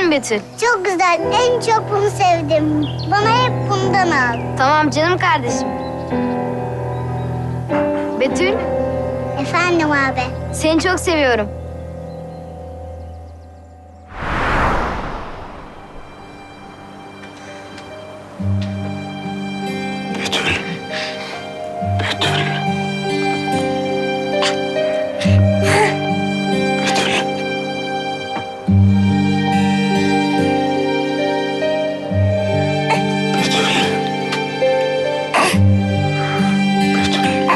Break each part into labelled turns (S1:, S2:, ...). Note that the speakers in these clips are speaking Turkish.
S1: mi Betül?
S2: Çok güzel. En çok bunu sevdim. Bana hep bundan al.
S1: Tamam canım kardeşim. Betül,
S2: Efendim abi.
S1: seni çok seviyorum.
S3: Betül. Betül. Betül. Betül. Betül.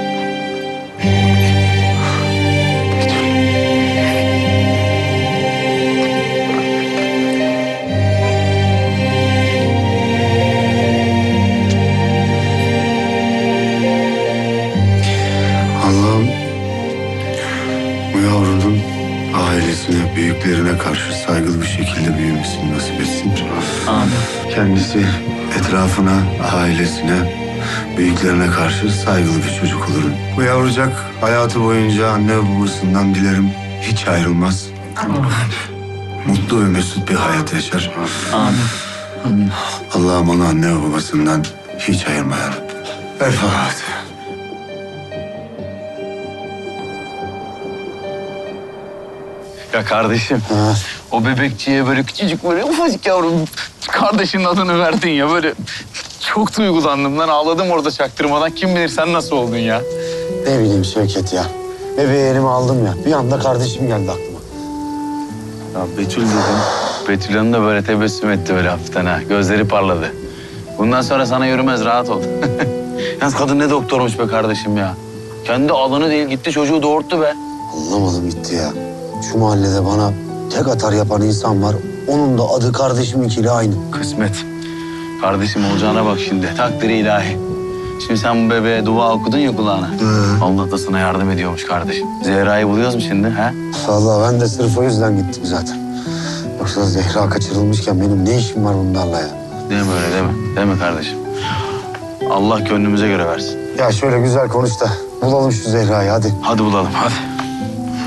S3: Allah'ım bu yavrunun ailesine, büyüklerine karşı saygılı bir şekilde büyümesini nasip etsin.
S4: Amin.
S3: Kendisi etrafına, ailesine, büyüklerine karşı saygılı bir çocuk olur. Bu yavrucak hayatı boyunca anne ve babasından dilerim hiç ayrılmaz. Mutlu ve mesut bir hayat yaşar.
S4: Amin.
S3: Allah'ım onu anne ve babasından hiç ayırma ya Rabbi. El Fatiha.
S4: Ya kardeşim, o bebekçiye böyle küçücük böyle ufacık yavrum kardeşinin adını verdin ya böyle çok duygulandım lan, ağladım orada çaktırmadan. Kim bilir sen nasıl oldun ya?
S5: Ne bileyim Şevket ya. Bebeği elime aldım ya. Bir anda kardeşim geldi aklıma.
S4: Ya Betül dedim. Betül Hanım da böyle tebessüm etti böyle hafiften ha. Gözleri parladı. Bundan sonra sana yürümez, rahat ol. Yalnız kadın ne doktormuş be kardeşim ya. Kendi alanı değil gitti çocuğu doğurttu be.
S5: Anlamadım gitti ya. Şu mahallede bana tek atar yapan insan var. Onun da adı kardeşiminkiyle aynı.
S4: Kısmet. Kardeşim olacağına bak şimdi. Takdiri ilahi. Şimdi sen bu bebeğe dua okudun ya kulağına. Allah da sana yardım ediyormuş kardeşim. Zehra'yı buluyoruz mu şimdi ha?
S5: Vallahi ben de sırf o yüzden gittim zaten. Yoksa Zehra kaçırılmışken benim ne işim var bunlarla ya?
S4: Deme öyle deme. Deme kardeşim. Allah gönlümüze göre versin.
S5: Ya şöyle güzel konuş da bulalım şu Zehra'yı hadi.
S4: Hadi bulalım hadi.